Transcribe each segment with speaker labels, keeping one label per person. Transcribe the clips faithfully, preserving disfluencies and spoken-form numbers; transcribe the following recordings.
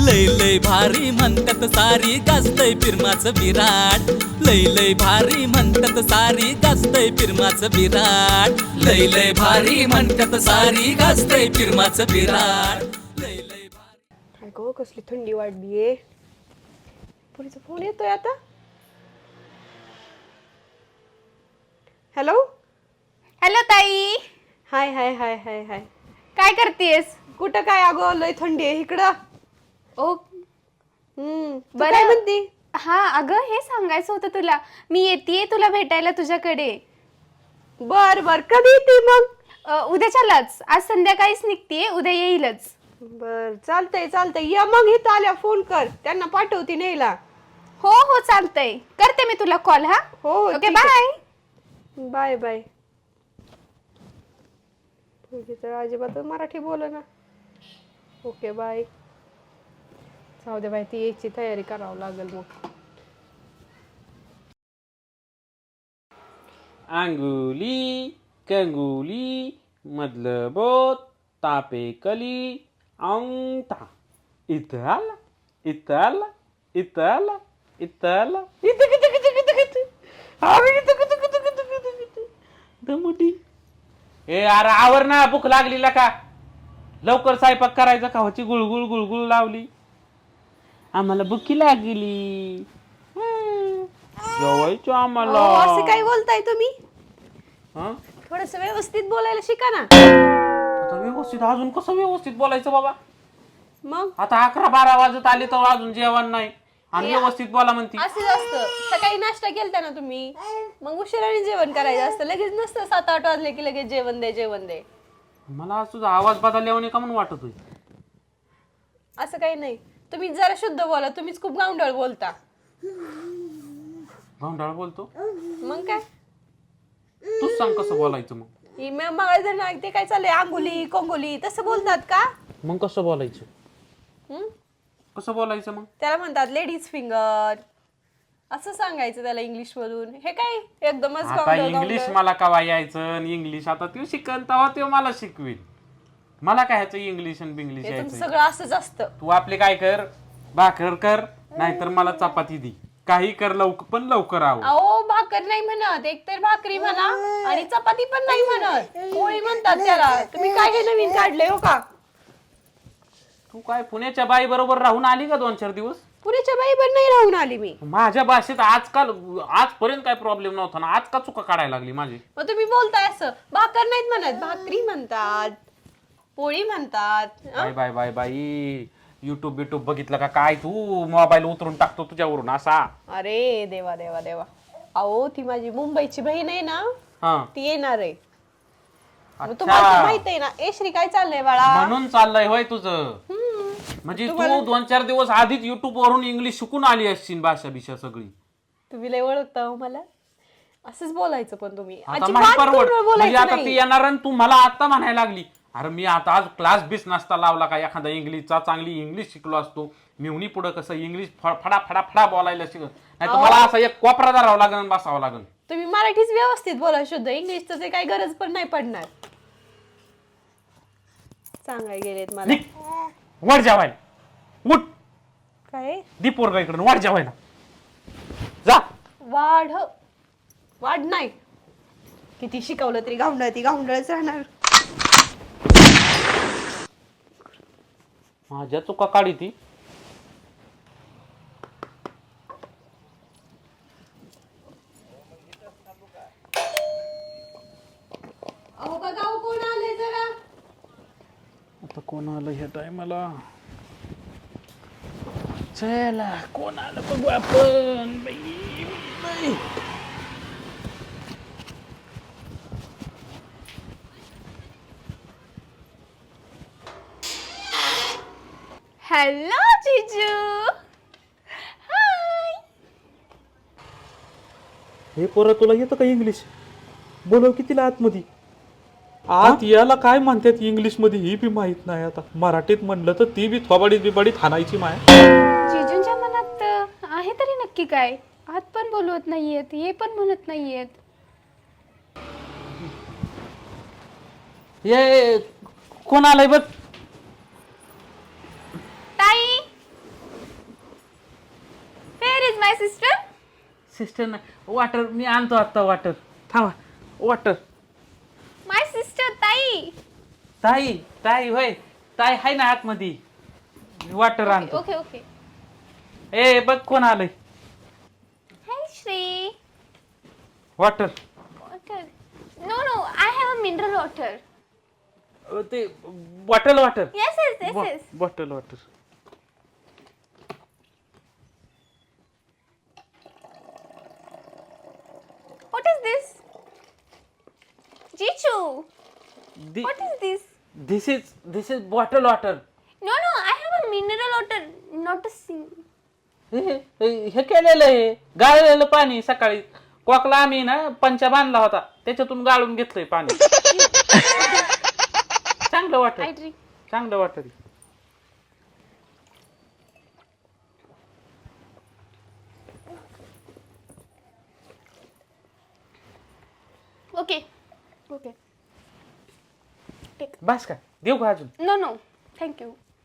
Speaker 1: लय लय भारी म्हणतात सारी गाजतय फिरमाचं विराट लय लय भारी म्हणतात सारी गाजतय फिरमाचं विराट लय लय भारी म्हणतात सारी गाजतय फिरमाचं विराट लय लय भारी.
Speaker 2: काय गो कसली थंडी वाढलीये. पुरीचा फोन येतोय आता. हॅलो
Speaker 3: हॅलो ताई.
Speaker 2: हाय हाय हाय हाय हाय.
Speaker 3: काय करतेस?
Speaker 2: कुठं काय अगो लय थंडी आहे इकडं.
Speaker 3: ओ
Speaker 2: हम्म तू
Speaker 3: बरं.
Speaker 2: काय म्हणती?
Speaker 3: हा अगं हे सांगायचं होतं तुला. मी येतेय तुला भेटायला तुझ्याकडे.
Speaker 2: बर बर कधी येते मग?
Speaker 3: अ, उद्याच्यालाच. आज संध्याकाळीच निघतेय, उद्या येईलच.
Speaker 2: बर चालतंय चालतंय या मग इथं आल्या फोन कर त्यांना पाठवती न्यायला.
Speaker 3: हो हो चालतंय. करते मी तुला कॉल. हा
Speaker 2: हो
Speaker 3: ओके
Speaker 2: ठीक आहे.
Speaker 3: बाय.
Speaker 2: Bye bye. तुझी तर अजिबात मराठी बोल ना. Okay bye. जाऊ दे बाई ती यायची तयारी करावं लागेल मग.
Speaker 4: अंगुली कंगुली मधलं बोट तापे कली अंगठा इथं आला इथं आला इथं आला इथं आला इथं किती किती किती किती आम्ही इथं किती किती किती किती किती दमुटी. ए अरे आवर ना, भूक लागली का? लवकर स्वयंपाक करायचा का? होची गुळगुळ गुळगुळ लावली. आम्हाला भुकी लागली. जेवायचं आम्हाला.
Speaker 2: अहो, असं काय बोलताय तुम्ही?
Speaker 4: हं?
Speaker 2: थोडस व्यवस्थित बोलायला शिका ना.
Speaker 4: आता व्यवस्थित अजून कसं व्यवस्थित बोलायचं बाबा?
Speaker 2: मग
Speaker 4: आता अकरा बारा वाजत आले तर अजून जेवण नाही आणि व्यवस्थित बोला म्हणती.
Speaker 2: असंच असतं. सकाळी नाश्ता केलता ना तुम्ही, मग उशिराने जेवण करायचं असतं. लगेच नसतं सात आठ वाजले की लगेच जेवण दे जेवण दे.
Speaker 4: मला आज तुझा आवाज बदलल्याने का म्हणून वाटत होय.
Speaker 2: असं काही नाही. तुम्ही जरा शुद्ध बोला. तुम्हीच खूप गावंढळ बोलता.
Speaker 4: भांडाळ बोलतो.
Speaker 2: मग काय
Speaker 4: तूच सांग कसं बोलायचं मग.
Speaker 2: ही म- मग जर ना ते काय चाललंय अंगुली कोंगुली तसं बोलतात का?
Speaker 4: मग कसं बोलायचं?
Speaker 2: हम्म?
Speaker 4: कसं बोलायचं मग?
Speaker 2: त्याला म्हणतात लेडीज फिंगर असं सांगायचं त्याला इंग्लिश मधून. हे काय एकदमच
Speaker 4: आता
Speaker 2: गावंढळ
Speaker 4: इंग्लिश
Speaker 2: गावंढळ.
Speaker 4: मला कवा यायचं इंग्लिश आता तू शिकन तेव्हा ते मला शिकवेल. मला काय ह्याचं इंग्लिश आणि बिंग्लिश
Speaker 2: हे तुमचं
Speaker 4: यायचं.
Speaker 2: सगळं असंच असतं.
Speaker 4: तू आपले काय कर, भाकर कर नाहीतर मला चपाती दे. काही कर लवकर पण लवकर आव.
Speaker 2: अहो भाकर नाही म्हणत, एक तर भाकरी म्हणा आणि चपाती पण नाही म्हणत, पोळी म्हणतात त्याला. तुम्ही काय हे नवीन काढलंय हो का?
Speaker 4: तू काय पुण्याच्या बाई बरोबर राहून आली का दोन चार दिवस?
Speaker 2: पुण्याच्या बाई पण नाही राहून आली मी.
Speaker 4: माझ्या भाषेत आजकाल आजपर्यंत काय प्रॉब्लेम नव्हता ना, आज का चुका काढायला लागली माझी?
Speaker 2: मग तुम्ही बोलताय असं. भाकर नाहीत म्हणत, भाकरी म्हणतात, पोळी म्हणतात.
Speaker 4: बाय बाय बाय बाई. युट्यूब युट्यूब बघितलं का काय तू? मोबाईल उतरून टाकतो तुझ्यावरून असा.
Speaker 2: अरे देवा देवा देवा. अहो ती माझी मुंबईची बहीण आहे ना,
Speaker 4: हा
Speaker 2: ती येणार आहे. मग
Speaker 4: अच्छा.
Speaker 2: तुम्हाला तर माहित आहे ना. ए श्री काय चाललंय बाळा?
Speaker 4: म्हणून चाललंय होय तुझं.
Speaker 2: हम्म.
Speaker 4: म्हणजे तू दोन चार दिवस आधीच युट्यूब वरून इंग्लिश शिकून आली असशील भाषा बिषा सगळी.
Speaker 2: तुम्ही लय ओळखता हो मला. असंच बोलायचं पण तुम्ही
Speaker 4: आता
Speaker 2: अजिबात
Speaker 4: माहित परवड
Speaker 2: तोंडवर
Speaker 4: म्हणजे
Speaker 2: बोलायचं
Speaker 4: आता
Speaker 2: नाही.
Speaker 4: ती येणार आणि तू मला आता म्हणायला लागली. अरे मी आता आज क्लास बीस नसता लावला का एखादा इंग्लिशचा चांगली इंग्लिश शिकलो असतो. मिवणी पुढे कसं इंग्लिश फडा फडा फडा बोलायला शिक नाही तर मला असं एक कोपरा धरावं लागेल आणि बसावं लागेल.
Speaker 2: तुम्ही मराठीच व्यवस्थित बोला शुद्ध. इंग्लिशचं ते काही गरज पण नाही पडणार. सांगाय गेलेत मला.
Speaker 4: निघ. वर जेवायला उठ.
Speaker 2: काय
Speaker 4: दी पोरगा इकडून वर जेवायला जा.
Speaker 2: वाढ वाढ नाही. किती शिकवलं तरी गावंढळ ती गावंढळच राहणार.
Speaker 4: माझ्या चुका काढी ती.
Speaker 2: अहो बघा हो, कोण आले जरा.
Speaker 4: आता कोण आलं ह्या टायमाला? चला कोण आलं बघू आपण. बाई, बाई.
Speaker 3: हॅलो जिजू. हाय.
Speaker 5: हे पोरं तुला येतं का इंग्लिश? बोलव की तिला आतमध्ये. आत याला काय म्हणतात इंग्लिश मध्ये ही बी माहित नाही. आता मराठीत म्हणलं तर ती बी थोबाडीत बिबाडीत हाणायची माय.
Speaker 3: जिजूंच्या मनात आहे तरी नक्की काय? आत पण बोलवत नाहीयेत, हे पण म्हणत नाहीयेत.
Speaker 4: ये कोण आलंय बघ.
Speaker 3: ताई माय सिस्टर?
Speaker 4: सिस्टर नाही वॉटर मी आणतो आता वॉटर थांबा वॉटर
Speaker 3: माय सिस्टर ताई.
Speaker 4: ताई ताई होय ताई हाय ना आतमध्ये वॉटर आणतो
Speaker 3: ओके ओके.
Speaker 4: ए बघ कोण आलंय
Speaker 3: hi Shri.
Speaker 4: Water
Speaker 3: water. No no I have a mineral water.
Speaker 4: ते bottle water
Speaker 3: yes yes yes yes.
Speaker 4: Bottle water
Speaker 3: What is this? Jichu, what is this?
Speaker 4: This is this is bottle water
Speaker 3: No, no, I have a mineral water, not a sing.
Speaker 4: हे केलेलं आहे गाळलेलं पाणी सकाळी कोकला आम्ही ना पंचा बांधला होता त्याच्यातून गाळून घेतलंय पाणी चांगलं
Speaker 3: I
Speaker 4: वाटत
Speaker 3: drink.
Speaker 4: चांगलं वाटत
Speaker 3: Okay, okay. Take.
Speaker 4: बस का देऊ का अजून
Speaker 3: No, no, thank you.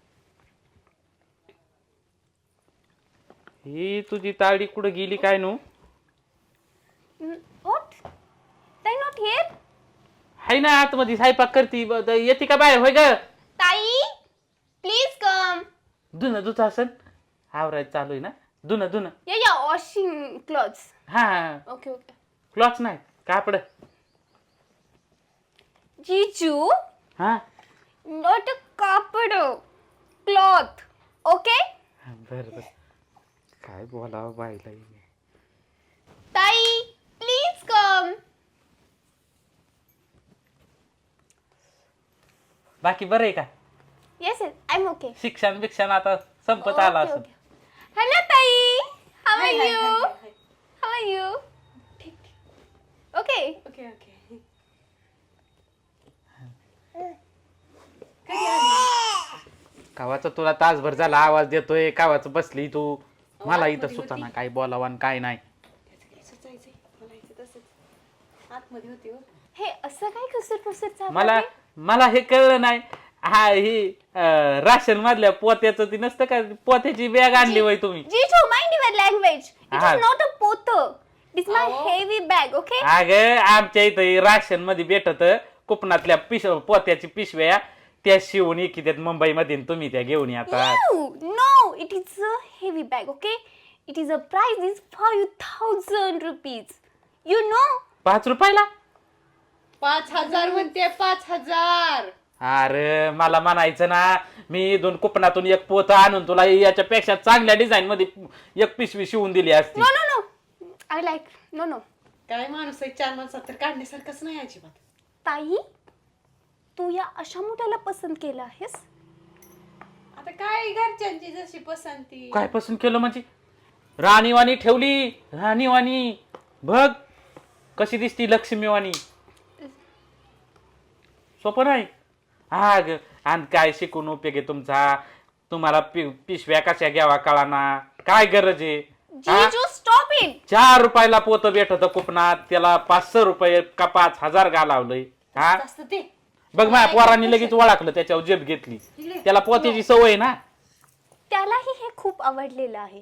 Speaker 4: ही तुझी ताळी कुठं गेली काय नु
Speaker 3: Mm, What? They not here?
Speaker 4: हाय ना आतमध्ये स्वयंपाक करती ब- द- येते का बाहेर होय ग
Speaker 3: Tai, please come.
Speaker 4: धुन दुच असन आवरायचं चालू आहे ना धुन धुन
Speaker 3: Yeah, yeah, washing clothes.
Speaker 4: हा
Speaker 3: Okay, okay.
Speaker 4: क्लॉथ नाही कापड
Speaker 3: Jichu,
Speaker 4: हा
Speaker 3: not a carpet, cloth. Okay?
Speaker 4: बर बर काय बोलावं बाईला हिने.
Speaker 3: Tai, please come.
Speaker 4: बाकी बरं आहे का
Speaker 3: Yes, yes, I'm okay.
Speaker 4: शिक्षण बिक्षण आता संपत आला
Speaker 3: Okay,
Speaker 4: असं
Speaker 3: okay. Hello, Tai. How are
Speaker 2: Hi, hi,
Speaker 3: you?
Speaker 2: hi, hi, hi.
Speaker 3: How are you? Okay.
Speaker 2: Okay okay.
Speaker 4: कावाचा तुला तासभर झाला आवाज देतोय कावाचं बसली तू मला इथं सुचाना काय बोलावं आणि काय नाही
Speaker 2: सुचायचंय बोलायचं तसंच आतमध्ये होती हो.
Speaker 3: हे असं काय कसर फसर चालू
Speaker 4: मला
Speaker 3: आहे?
Speaker 4: मला हे कळलं नाही हा ही अं, राशन मधल्या पोत्याचं ती नसतं का पोत्याची बॅग आणली होय तुम्ही
Speaker 3: Jitu, mind your language. It
Speaker 4: Ah.
Speaker 3: is not a pother. It's my heavy bag, okay?
Speaker 4: अग आमच्या इथं राशन मध्ये भेटत कुपनातल्या पिश पोत्याची पिशव्या त्या शिवून येतात मुंबईमध्ये तुम्ही त्या घेऊन येतात
Speaker 3: No, no, it is a heavy bag, okay? It is a price is five thousand rupees. You know?
Speaker 4: पाच रुपयाला
Speaker 2: पाच हजार म्हणते पाच हजार.
Speaker 4: अरे मला म्हणायचं ना मी दोन कुपनातून एक पोत आणून तुला याच्यापेक्षा चांगल्या डिझाईन मध्ये एक पिशवी शिवून दिली असती
Speaker 3: No, no, no. I like, no, no.
Speaker 2: काय माणूस आहे चार माणसात तर काढण्यासारखंच नाही अजिबात.
Speaker 3: ताई, तू या अशा मोठ्याला पसंत केलं आहेस?
Speaker 2: आता काय घरच्यांची जशी पसंती.
Speaker 4: काय पसंत केलं म्हणजे राणीवाणी ठेवली राणीवाणी बघ कशी दिसती लक्ष्मीवाणी सोपं नाही हा ग आणि काय शिकून उपयोग आहे तुमचा तुम्हाला पि- पिशव्या कशा घ्यावा कळाना काय गरज आहे हा?
Speaker 3: Jitu, stop it.
Speaker 4: चार रुपयाला पोत भेटत कुपनात त्याला पाचशे रुपये का पाच हजार घालावलंय हा
Speaker 2: जास्त ते
Speaker 4: बघ माझ्या पोरांनी लगेच ओळखलं त्याच्यावर जेब घेतली त्याला पोत्याची सवय आहे ना
Speaker 3: त्यालाही हे खूप आवडलेलं आहे.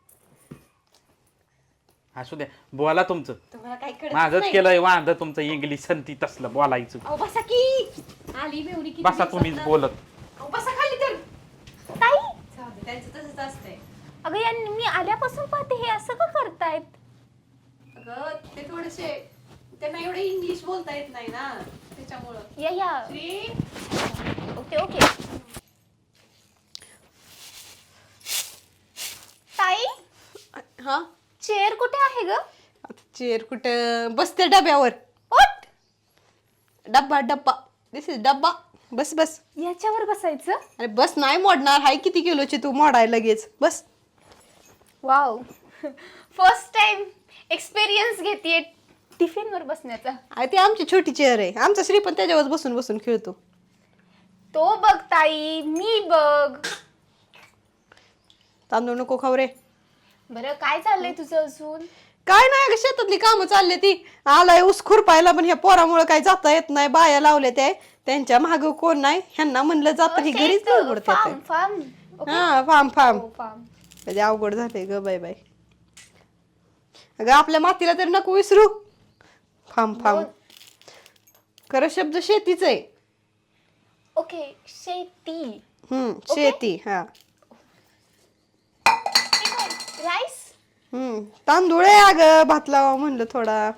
Speaker 4: असू द्या बोला तुमचं
Speaker 2: तुम्हाला काय कळत
Speaker 4: माझंच
Speaker 2: नाही.
Speaker 4: केलंय वांद तुमचं इंग्लिश संती तसलं बोलायचं
Speaker 2: अहो बसा की आली मेवणी किती
Speaker 4: बसा तुम्हीच
Speaker 2: दिवसातनं.
Speaker 4: बोलत
Speaker 2: अहो बसा खाली तर.
Speaker 3: ताई,
Speaker 2: जाऊ दे, त्यांचं तसंच असतंय.
Speaker 3: अगं या मी आल्यापासून पाहते हे असं का करतायत?
Speaker 2: अगं ते थोडेसे त्यांना एवढे इंग्लिश बोलता येत नाही ना त्याच्यामुळं.
Speaker 3: या या.
Speaker 2: Shri
Speaker 3: okay okay. ताई,
Speaker 2: हा
Speaker 3: चेअर कुठे आहे ग?
Speaker 2: आता चेअर कुठं बसते डब्यावर.
Speaker 3: ओट,
Speaker 2: डब्बा डब्बा दिस इज डब्बा. बस बस.
Speaker 3: याच्यावर बसायचं?
Speaker 2: अरे बस नाही मोडणार. हाय किती किलोची तू मोडाय लगेच बस.
Speaker 3: वाव, फर्स्ट टाइम एक्सपिरियन्स घेतीये टिफिन वर बसण्याचा.
Speaker 2: अरे ती आमची छोटी चेअर आहे. आमचा श्री पण त्याच्यावर बसून बसून खेळतो.
Speaker 3: तो बघ ताई, मी बघ.
Speaker 2: तांदूळ नको खाऊ रे.
Speaker 3: बरं काय चाललंय तुझं अजून?
Speaker 2: काय नाही अगं शेतातली कामं चालली ती. आलाय ऊस खुरपायला पण ह्या पोरामुळे काय जाता येत नाही. बाया लावल्या त्या त्यांच्या माग कोण नाही. ह्यांना म्हणलं जात ही घरीच
Speaker 3: फार्म फार्म.
Speaker 2: हा फार्म फार्म
Speaker 3: फार्म.
Speaker 2: कधी अवघड झाले ग बाय बाय. अगं आपल्या मातीला तर नको विसरू. फाम फाम खरं शब्द शेतीच आहे.
Speaker 3: ओके शेती.
Speaker 2: हम्म शेती. हा
Speaker 3: राईस.
Speaker 2: हम्म तांदूळ आहे अगं, भात लावा म्हणलं थोडा.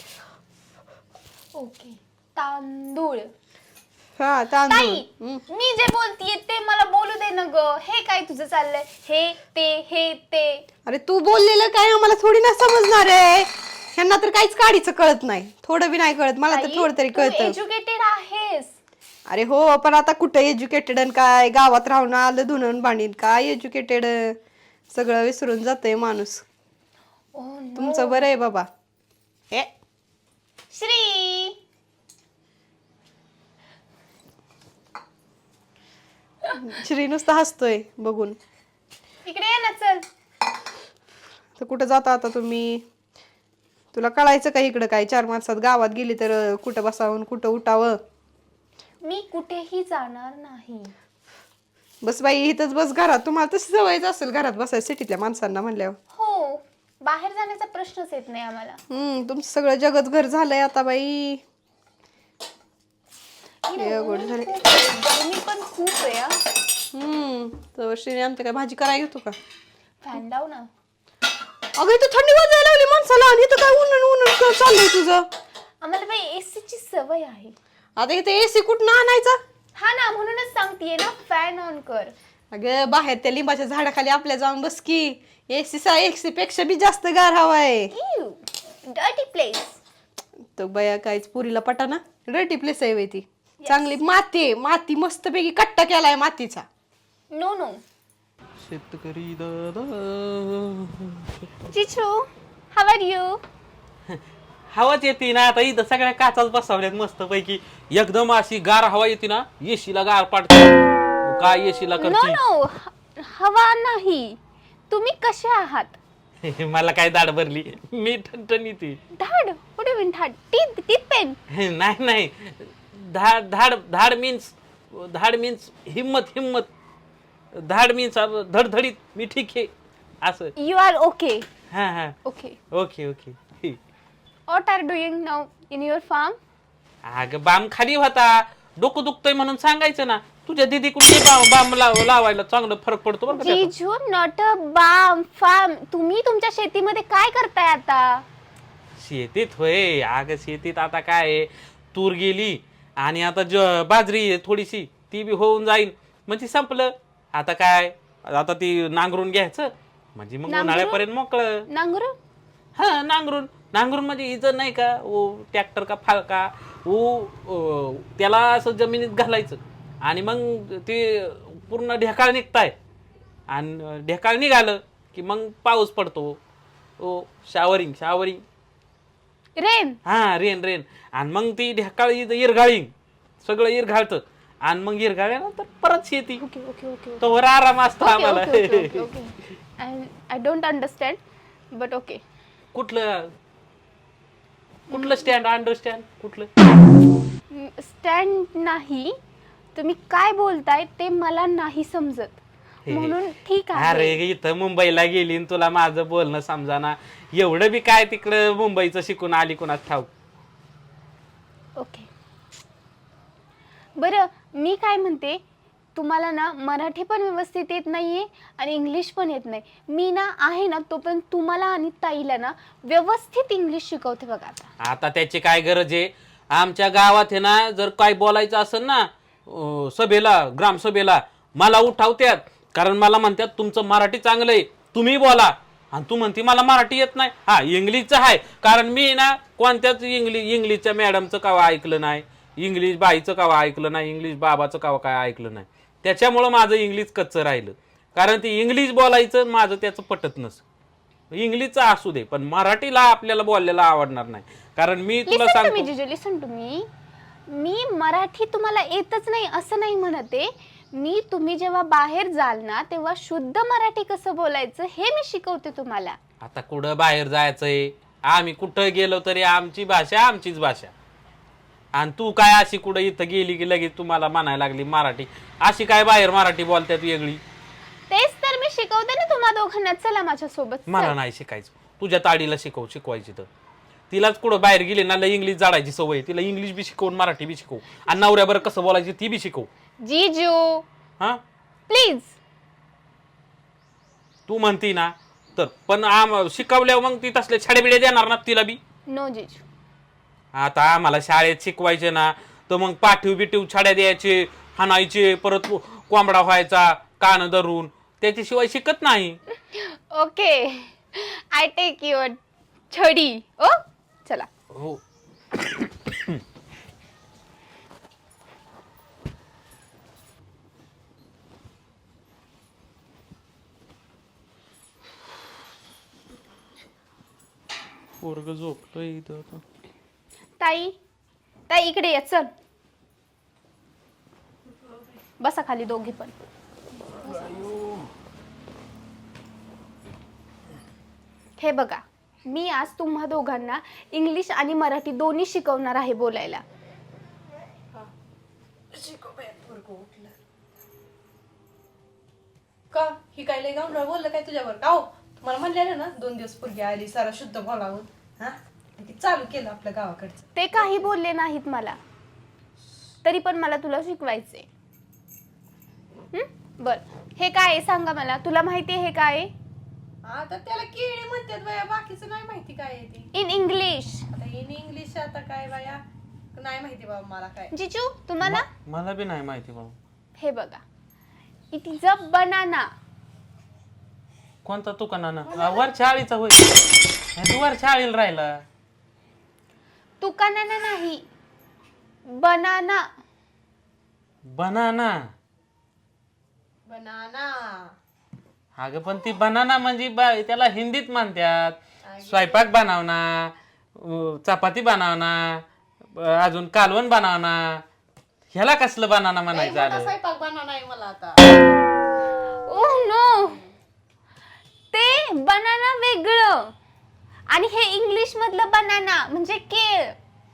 Speaker 3: ओके तांदूळ.
Speaker 2: हा तांदूळ.
Speaker 3: ताई मी जे बोलतीये ते मला बोलू दे ना ग. हे काय तुझं चाललंय? हे ते हे ते.
Speaker 2: अरे तू बोललेलं काय आम्हाला थोडी ना समजणार आहे. ह्यांना तर काहीच काढीचं कळत नाही, थोडं बी नाही कळत. मला तर थोडं तरी कळतं.
Speaker 3: एज्युकेटेड आहेस.
Speaker 2: अरे हो पण आता कुठं एज्युकेटेड काय, गावात राहून आलं धुणं बाणीन काय एज्युकेटेड, सगळं विसरून जातंय माणूस. तुमचं बरं आहे बाबा. हे
Speaker 3: श्री
Speaker 2: श्री नुसता हसतोय बघून.
Speaker 3: इकडे ये ना चल.
Speaker 2: तर कुठं जाता आता तुम्ही? तुला कळायचं का इकडं काय? चार माणसात गावात गेली तर कुठं बसावं कुठं उठावं?
Speaker 3: मी कुठेही जाणार नाही.
Speaker 2: बस बाई इथंच बस घरात. तुम्हाला तशी सवयच असेल घरात बसायला सिटीतल्या माणसांना म्हणल्यावर.
Speaker 3: हो बाहेर जाण्याचा प्रश्नच येत नाही आम्हाला.
Speaker 2: हम्म तुमचं सगळं जगच घर झालंय आता बाई. अवघड झाले.
Speaker 3: गरमी पण खूप आहे हा.
Speaker 2: हम्म तर श्रीने आमच्या काय भाजी करायला घेतो का?
Speaker 3: फॅन लाव ना.
Speaker 2: अगं इथं थंडी वाजायला लागली माणसाला आणि इथं काय ऊन ऊन चाललंय तुझं?
Speaker 3: आम्हाला बाई एसी ची सवय आहे.
Speaker 2: आता इथे एसी कुठं आणायचा?
Speaker 3: हा ना म्हणूनच सांगतेय ना फॅन ऑन कर.
Speaker 2: अगं बाहेर त्या लिंबाच्या झाडाखाली आपल्या जाऊन बस की. एसी सा एसी पेक्षा बी जास्त गार हवा आहे.
Speaker 3: Dirty place.
Speaker 2: तो बया काहीच पुरीला पटा ना. डर्टी प्लेस आहे ती. चांगली माती आहे. माती मस्तपैकी कट्टा केलाय मातीचा.
Speaker 3: No no.
Speaker 4: शेतकरी दादा
Speaker 3: चिचू हाऊ आर यू?
Speaker 4: हवाच येते ना आता इथं सगळ्या काचाच बसवल्यात मस्त पैकी. एकदम अशी गार हवा येते ना, एसीला गार पाडते. काय एसीला
Speaker 3: नो
Speaker 4: करते?
Speaker 3: नो हवा नाही. तुम्ही कसे आहात?
Speaker 4: मला काय दाढ भरली, मी ठणठणीत आहे.
Speaker 3: धाड व्हॉट डू मीन धाड? Teeth teeth pain.
Speaker 4: नाही नाही धाड धाड धाड मीन्स धाड मीन्स हिम्मत हिम्मत. धाड मीन्स धडधडीत. मी ठीक आहे असं.
Speaker 3: You are okay.
Speaker 4: हा हा
Speaker 3: okay.
Speaker 4: Okay okay.
Speaker 3: What are doing now in your farm?
Speaker 4: अगं बाम खाली होता, डोकं दुखतंय म्हणून सांगायचं ना. तुझ्या दीदी कुठे बाम लाव लावायला चांगलं फरक पडतो बरं का त्याचा.
Speaker 3: जीजू नॉट अ बाम फार्म. तुम्ही तुमच्या शेतीमध्ये काय करताय आता?
Speaker 4: शेतीत होय. अगं शेतीत आता काय आहे, तूर गेली आणि आता ज बाजरी आहे थोडीशी, ती बी होऊन जाईल म्हणजे संपलं. आता काय, आता ती नांगरून घ्यायचं म्हणजे मग
Speaker 3: नांगरून?
Speaker 4: उन्हाळ्यापर्यंत मोकळं.
Speaker 3: नांगरू?
Speaker 4: हा नांगरून नांगरून म्हणजे इजं नाही का ओ ट्रॅक्टर का फाळका ओ त्याला असं जमिनीत घालायचं आणि मग ते पूर्ण ढेकाळ निघताय आणि ढेकाळ निघालं की मग पाऊस पडतो. Oh showering showering
Speaker 3: rain.
Speaker 4: हा रेन रेन. आणि मग ती ढेकाळ इरघाळी सगळं इरघाळतं आणि मग इरघाळल्यानंतर परत शेती.
Speaker 3: Okay okay okay.
Speaker 4: तोवर आराम असतो आम्हाला.
Speaker 3: I don't understand but okay.
Speaker 4: कुठलं कुठलं स्टँड अंडरस्टँड कुठलं
Speaker 3: स्टँड नाही. तुम्ही काय बोलताय ते मला नाही समजत म्हणून ठीक आहे.
Speaker 4: अरे इथं मुंबईला गेली आणि तुला माझं बोलणं समजाना. एवढं बी काय तिकडं मुंबईचं शिकून आली कोणाच ठाऊक.
Speaker 3: ओके बरं मी काय म्हणते, तुम्हाला ना मराठी पण व्यवस्थित येत नाहीये आणि इंग्लिश पण येत नाही. मी ना आहे ना तो पण तुम्हाला आणि ताईला ना व्यवस्थित इंग्लिश शिकवते बघा आता.
Speaker 4: आता त्याची काय गरज आहे? आमच्या गावात आहे ना जर काय बोलायचं असेल ना अं, सभेला ग्रामसभेला मला उठावत्यात. कारण मला म्हणतात तुमचं मराठी चांगलं आहे तुम्ही बोला. आणि तू म्हणते मला मराठी येत नाही. हा इंग्लिशचं आहे कारण मी ना कोणत्याच इंग्लिश इंग्लिशच्या मॅडमचं कावा ऐकलं नाही, इंग्लिश बाईचं कावा ऐकलं नाही, इंग्लिश बाबाचं कावा काय ऐकलं नाही. त्याच्यामुळं माझं इंग्लिश कच्चं राहिलं. कारण ती इंग्लिश बोलायचं माझं त्याचं पटत नसतं. इंग्लिशचं असू दे पण मराठीला आपल्याला बोलायला आवडणार नाही. कारण मी तुला सांगतो
Speaker 3: जिजू लिसन टू मी. मी मराठी तुम्हाला येतच नाही असं नाही म्हणते मी. तुम्ही जेव्हा बाहेर जाल ना तेव्हा शुद्ध मराठी कसं बोलायचं हे मी शिकवते तुम्हाला.
Speaker 4: आता कुठं बाहेर जायचंय, आम्ही कुठं गेलो तरी आमची भाषा आमचीच भाषा. आणि तू काय अशी कुठं इथं गेली की लगेच तुम्हाला म्हणायला लागली मराठी. अशी काय बाहेर मराठी बोलतात वेगळी?
Speaker 3: तेच तर मी शिकवते ना तुम्हा दोघांना. चला माझ्या सोबत.
Speaker 4: मला नाही शिकायचं. तुझ्या ताडीला शिकव शिकवायची तर तिलाच कुठं बाहेर गेली ना लय इंग्लिश जाडायची सवय तिला इंग्लिश बी शिकवून मराठी बी शिकव आणि नवऱ्याबर कसं बोलायची ती बी शिकव
Speaker 3: जीजू
Speaker 4: हा
Speaker 3: प्लीज.
Speaker 4: तू म्हणती ना तर पण आम शिकवल्यावर मग ती तसले छाडेबिडे देणार ना तिला बी.
Speaker 3: नो जीजू.
Speaker 4: आता आम्हाला शाळेत शिकवायचे ना तर मग पाठीव बिठीव छाड्या द्यायचे हाणायचे परत कोंबडा व्हायचा कान धरून त्याच्याशिवाय शिकत नाही.
Speaker 3: ओके आय टेक युअर छडी. ओ चला.
Speaker 4: हो पोरग झोपलं इथं आता.
Speaker 3: ताई ताई इकडे ये चल. बसा खाली दोघी पण. हे बघा मी आज तुम्हा दोघांना इंग्लिश आणि मराठी दोन्ही शिकवणार आहे बोलायला.
Speaker 2: का ही काय लय गावंढळ बोललं काय तुझ्यावर का हो तुम्हाला म्हणलेलं ना दोन दिवस पूर्वी आली सारा शुद्ध बोलावून हा ते चालू केलं आपल्या गावाकडचं.
Speaker 3: ते काही बोलले नाहीत मला तरी पण मला तुला शिकवायचे. बर हे काय आहे सांगा मला. तुला माहिती आहे हे काय आहे?
Speaker 2: आता त्याला केळी म्हणतात बाया बाकीचं नाही माहिती काय आहे ते.
Speaker 3: In English.
Speaker 2: आता इन इंग्लिश आता काय बाया नाही माहिती बाबा मला काय.
Speaker 3: जिजू तुम्हाला
Speaker 4: मला बी नाही माहिती बाबा.
Speaker 3: हे बघा इट इज अ बनाना.
Speaker 4: कोणता तुकाना वर चाळीचा होय तू वर चाळीला राहिला.
Speaker 3: तुकाना नाही बनाना.
Speaker 4: बनाना.
Speaker 2: बनाना.
Speaker 4: अगं पण ती बनाना म्हणजे बा- त्याला हिंदीत म्हणतात. स्वयंपाक बनवना चपाती बनवना अजून कालवण बनवना ह्याला कसलं बनाना म्हणायचं आलं.
Speaker 2: स्वयंपाक बनाना आहे मला आता.
Speaker 3: ओह नो ते बनाना वेगळं आणि हे इंग्लिश मधलं बनाना म्हणजे केळ.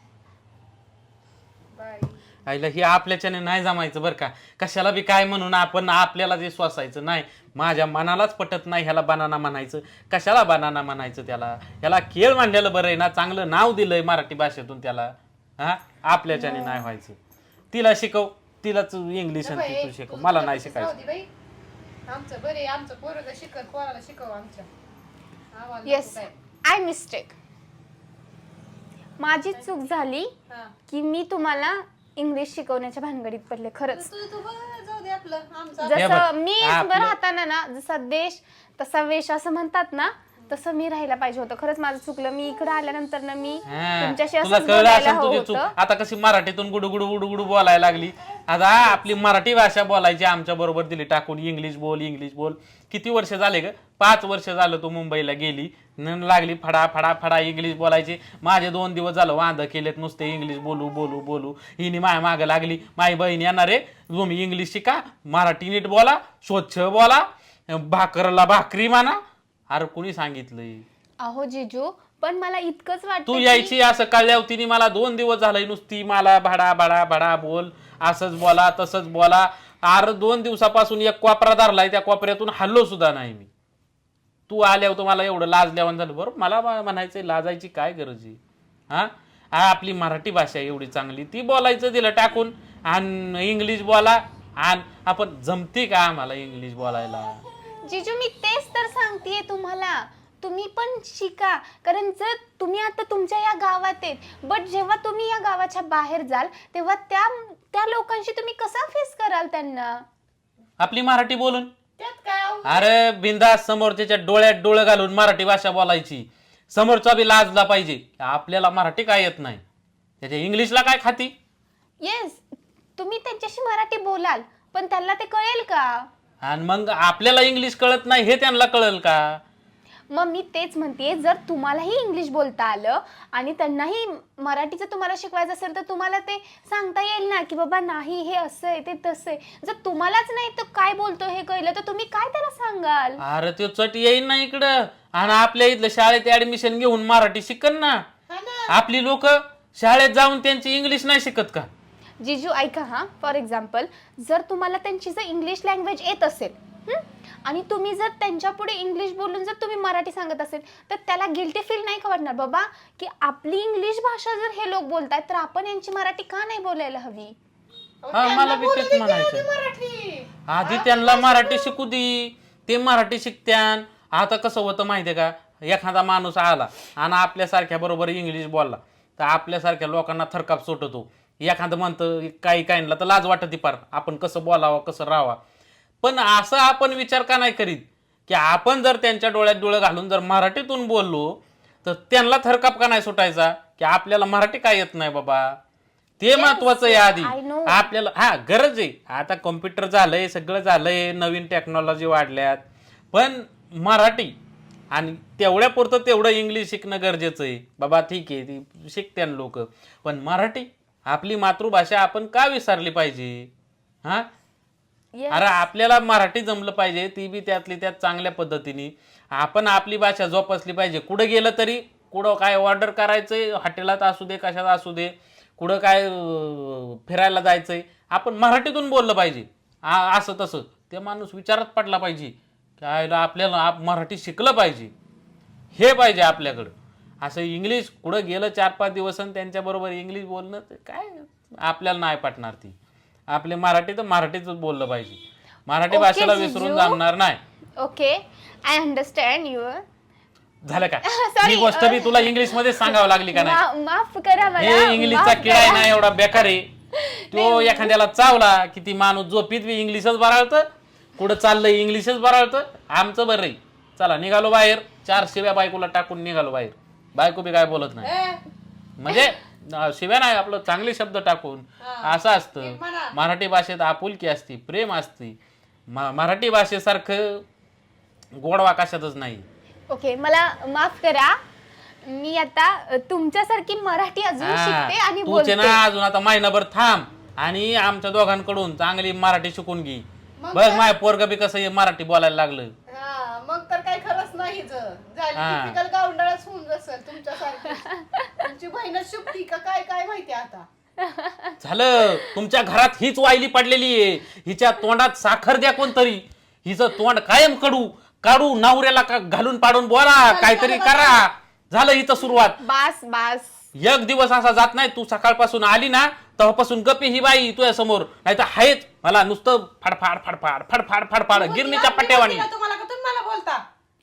Speaker 4: आईला ही आपल्याच्याने नाही जमायचं बरं का. कशाला बी काय म्हणून आपण आपल्याला जे सोसायचं नाही माझ्या मनालाच पटत नाही ह्याला बनाना म्हणायचं. कशाला बनाना म्हणायचं त्याला ह्याला केळ म्हणलेलं बरं आहे ना. चांगलं नाव दिलंय मराठी भाषेतून त्याला. हा आपल्याच्याने नाही व्हायचं. तिला शिकव तिलाच इंग्लिश आणि तू शिकव मला नाही शिकायचं.
Speaker 2: आमचं बरे आमचं पोरग शिकत पोराला शिकव आमच्या.
Speaker 3: Yes I mistake. माझी चूक झाली की मी तुम्हाला इंग्लिश शिकवण्याच्या भानगडीत पडले खरंच.
Speaker 2: तू तू जाऊ दे आपलं आमचं.
Speaker 4: हे बघ,
Speaker 3: जसं मी
Speaker 4: आपलं-
Speaker 3: राहताना ना जसा देश तसा वेश असं म्हणतात ना तसं मी राहायला पाहिजे होतं. खरंच माझं चुकलं. मी इकडे आल्यानंतर ना मी
Speaker 4: हा,
Speaker 3: तुमच्याशी
Speaker 4: तुला
Speaker 3: असं
Speaker 4: कळलं
Speaker 3: बोलायला
Speaker 4: असेल
Speaker 3: हवं
Speaker 4: तुझी चूक.
Speaker 3: होतं.
Speaker 4: आता कशी मराठीतून गुडू गुडू गुडू गुडू बोलायला लागली. आता आपली मराठी भाषा बोलायची आमच्या बरोबर दिली टाकून. इंग्लिश बोल इंग्लिश बोल. किती वर्ष झाले ग. पाच वर्ष झालं तू मुंबईला गेली न लागली फडा फडा फडा इंग्लिश बोलायची. माझे दोन दिवस झालं वांद केलेत नुसते इंग्लिश बोलू बोलू बोलू. हिने माय मागं लागली. माझी बहीण येणार आहे तुम्ही इंग्लिश शिका मराठी नीट बोला स्वच्छ बोला भाकरला भाकरी म्हणा. अरे कुणी सांगितलंय.
Speaker 3: अहो जिजू पण मला इतकंच
Speaker 4: तू
Speaker 3: वाटतं
Speaker 4: यायची असं कळल्यावर तिने मला दोन दिवस झालंय नुसती मला भाडा भाडा भाडा बोल असंच बोला तसंच बोला. अरे दोन दिवसापासून एक कोपरा धरलाय त्या कोपऱ्यातून हल्लो सुद्धा नाही मी. तू आल्यावर तुम्हाला एवढं लाजल्यावर झालं बरोबर. मला म्हणायचंय लाजायची काय गरज आहे. हा आपली मराठी भाषा एवढी चांगली ती बोलायचं दिलं टाकून आणि इंग्लिश बोला. आणि आपण जमते का आम्हाला इंग्लिश बोलायला.
Speaker 3: जिजू मी तेच तर सांगतेय तुम्हाला. तुम्ही पण शिका कारण जर तुम्ही आता तुमच्या या गावात आहेत बट जेव्हा तुम्ही या गावाच्या बाहेर जाल तेव्हा त्या त्या लोकांशी तुम्ही कसा फेस कराल त्यांना.
Speaker 4: आपली मराठी बोलून.
Speaker 2: त्यात काय अहो?
Speaker 4: अरे बिंदास समोरच्या डोळ्यात डोळं घालून मराठी भाषा बोलायची. समोरचा बी लाजला पाहिजे. आपल्याला मराठी काय येत नाही त्याच्या इंग्लिशला काय खाती.
Speaker 3: येस तुम्ही त्यांच्याशी मराठी बोलाल पण त्यांना ते कळेल का.
Speaker 4: आणि मग आपल्याला इंग्लिश कळत नाही हे त्यांना कळेल का.
Speaker 3: मग मी तेच म्हणते जर तुम्हालाही इंग्लिश बोलता आलं आणि त्यांनाही मराठीचं तुम्हाला शिकवायचं असेल तर तुम्हाला ते सांगता येईल ना की बाबा नाही हे असं आहे ते तसं आहे. जर तुम्हालाच नाही तर काय बोलतो हे कळलं तर तुम्ही काय त्याला सांगाल.
Speaker 4: अरे तो चट येईन ना इकडं आणि आपल्या इथलं शाळेत ऍडमिशन घेऊन मराठी शिकन ना. आपली लोक शाळेत जाऊन त्यांची इंग्लिश नाही शिकत का.
Speaker 3: जिजू ऐका हा फॉर एक्झाम्पल जर तुम्हाला त्यांची जर इंग्लिश लँग्वेज येत असेल हं? आणि तुम्ही जर त्यांच्या पुढे इंग्लिश बोलून जर तुम्ही मराठी सांगत असेल तर त्याला गिल्टी फील नाही का वाटणार बाबा की आपली इंग्लिश भाषा जर हे लोक बोलतायत तर आपण यांची मराठी का नाही बोलायला हवी?
Speaker 4: हा मला बी तेच म्हणायचं. आधी त्यांना मराठी शिकू दे, ते मराठी शिकत्यान. आता कसं होतं माहितीये का, एखादा माणूस आला आणि आपल्यासारख्या बरोबर इंग्लिश बोलला तर आपल्यासारख्या लोकांना थरकाप सुटतो. एखादं म्हणतं काही काहींना तर लाज वाटते पार, आपण कसं बोलावं कसं राहावं. पण असं आपण विचार का नाही करीत की आपण जर त्यांच्या डोळ्यात डोळे घालून जर मराठीतून बोललो तर त्यांना थरकाप का नाही सुटायचा की आपल्याला मराठी काय येत नाही बाबा. ते महत्वाचं आहे आधी
Speaker 3: I know.
Speaker 4: आपल्याला. हा गरज आहे, आता कॉम्प्युटर झालंय सगळं झालंय, नवीन टेक्नॉलॉजी वाढल्यात, पण मराठी आणि तेवढ्या पुरतं तेवढं इंग्लिश शिकणं गरजेचं आहे बाबा. ठीक आहे ती शिकत्यान लोक, पण मराठी आपली मातृभाषा आपण का विसरली पाहिजे? हा
Speaker 3: Yes.
Speaker 4: अरे आपल्याला मराठी जमलं पाहिजे, ती बी त्यातली त्यात चांगल्या पद्धतीने. आपण आपली भाषा जोपासली पाहिजे. कुठं गेलं तरी, कुठं काय ऑर्डर करायचंय, हॉटेलात असू दे कशात असू दे, कुठं काय अं, फिरायला जायचंय, आपण मराठीतून बोललं पाहिजे. आ- असं तसं ते माणूस विचारात पडला पाहिजे काय आपल्याला आप मराठी शिकलं पाहिजे, हे पाहिजे आपल्याकडं. असं इंग्लिश कुठं गेलं चार पाच दिवस आणि त्यांच्याबरोबर इंग्लिश बोलणं ते काय आपल्याला नाही पटणार. ती आपले मराठी तर मराठीतच बोललं पाहिजे. मराठी
Speaker 3: Okay,
Speaker 4: भाषेला
Speaker 3: जिजू.
Speaker 4: विसरून जमणार नाही.
Speaker 3: Okay I understand you.
Speaker 4: झालं का?
Speaker 3: Sorry,
Speaker 4: ही गोष्ट बी तुला इंग्लिश मध्ये सांगावं लागली का नाही?
Speaker 3: माफ करा मला.
Speaker 4: हे इंग्लिशचा
Speaker 3: माफ
Speaker 4: किडा आहे
Speaker 3: करा.
Speaker 4: ना एवढा बेकार आहे. तो एखाद्याला चावला की ती माणूस झोपीत बी इंग्लिशच बराळतं, कुठं चाललंय इंग्लिशच बराळतं. आमचं बरं आहे, चला निघालो बाहेर, चार शिव्या बायकोला टाकून निघालो बाहेर. बायको बी काय बोलत नाही, म्हणजे अं, शिव्या नाही, आपलं चांगले शब्द टाकून. असं असतं मराठी भाषेत, आपुलकी असती, प्रेम असती. म- मराठी भाषेसारखं गोडवा कशातच नाही.
Speaker 3: ओके मला माफ करा, मी आता अ, तुमच्यासारखी मराठी अजून
Speaker 4: हा,
Speaker 3: शिकते आणि
Speaker 4: तूच आहे
Speaker 3: बोलते.
Speaker 4: ना अजून आता महिनाभर थांब आणि आमच्या दोघांकडून चांगली मराठी शिकून घे. बघ माय पोरग बी कसं हे मराठी बोलायला लागलं.
Speaker 2: हा, मग तर काही खरंच नाही ज. झाली
Speaker 4: हा.
Speaker 2: typical गावंढळच होऊन जसं तुमच्यासारखी. तुमची बहीणच शुभती का काय काय माहिती आता.
Speaker 4: झालं, तुमच्या घरात हीच वाहिली पडलेली आहे. हिच्या तोंडात साखर द्या कोणतरी. हिचं तोंड कायम कडू काढू, नवऱ्याला का- घालून पाडून बोला, काहीतरी करा. झालं हिचं सुरुवात.
Speaker 3: बास बास.
Speaker 4: एक दिवस असा जात नाही, तू सकाळपासून आली ना तेव्हापासून गप्पी ही बाई तुझ्या समोर, नाही तर आहेच मला नुसतं फाडफाड फाडफाड फाडफाड फाडफाड गिरणीच्या पट्ट्यावाणी.
Speaker 2: तुम्हाला का तुम्ही मला बोलता.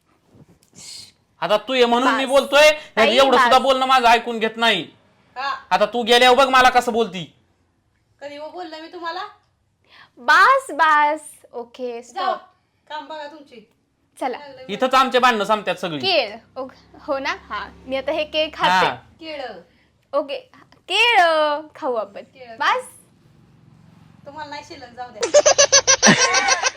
Speaker 4: आता तू ये म्हणून मी
Speaker 3: बास.
Speaker 4: बोलतोय,
Speaker 3: ताई,
Speaker 4: एवढं
Speaker 3: बास.
Speaker 4: सुद्धा बोलणं माझं ऐकून घेत नाही.
Speaker 2: हा,
Speaker 4: आता तू गेल्यावर बघ मला कसं बोलती.
Speaker 2: कधी हो बोललं मी तुम्हाला.
Speaker 3: बास बास. ओके
Speaker 2: जाऊ
Speaker 3: स्टॉप.
Speaker 2: काम बघा तुमची.
Speaker 3: चला
Speaker 4: इथंच आमचे भांडणं संपतात सगळी.
Speaker 3: केळ. ओक- हो ना. हा मी आता हे केळ
Speaker 4: हा.
Speaker 3: खाते.
Speaker 2: केळं
Speaker 3: ओके केळ खाऊ आपण.
Speaker 2: केळं.
Speaker 3: बास.
Speaker 2: तुम्हाला नाही शिल्लक, जाऊ द्या.